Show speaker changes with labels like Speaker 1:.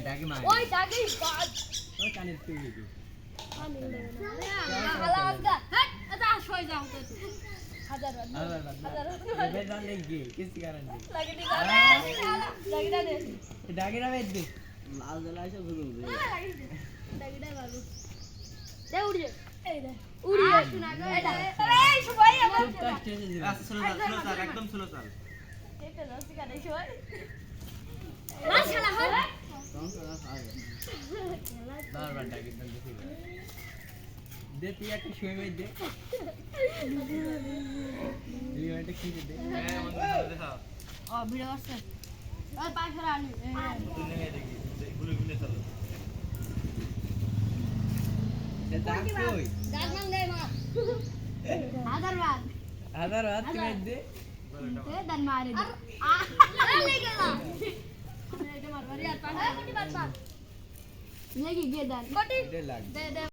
Speaker 1: ডাকে মার
Speaker 2: ওই ডাকে বাদ
Speaker 1: ও কানে তুই কি
Speaker 2: আমি হালা আজগা হট এটা সই যাও তো হাজার
Speaker 1: বেজান লেগে কিছু কারণ নেই
Speaker 2: লাগে দি লাগে দে
Speaker 1: ডাকে না বেদ দে লাল জ্বালা এসে বুঝুন দে
Speaker 2: লাগে দে বাবু দে উড়ি এই দে উড়ি শোনা গো এটা এই সবাই আমার
Speaker 1: খুব কষ্ট হয়েছে দিন
Speaker 3: আচ্ছা স্লো চাল একদম স্লো চাল
Speaker 2: এটা লসি কাটে সবাই মাশাআল্লাহ হল
Speaker 1: কম করা খাবে বারবার ডাকে দেন দেখি দে তুই একটা শুয়ে মেয়ে দে তুই একটা কি দে
Speaker 3: হ্যাঁ বন্ধু দেখা
Speaker 2: ও ভিডিও করছে ওই পাশে আনি
Speaker 3: তুই নেমে দেখি গুলো গুলো চাল
Speaker 1: সে ডাক কই
Speaker 2: ডাক নাম দে মা আদারবাদ
Speaker 1: আদার হাত তুমি দে
Speaker 2: তে দান মারে দে লে গেলা এটা মারবারি আর পাশে কোটি বাদ লেগে গে দান কোটি
Speaker 1: দে লাগ
Speaker 2: দে দে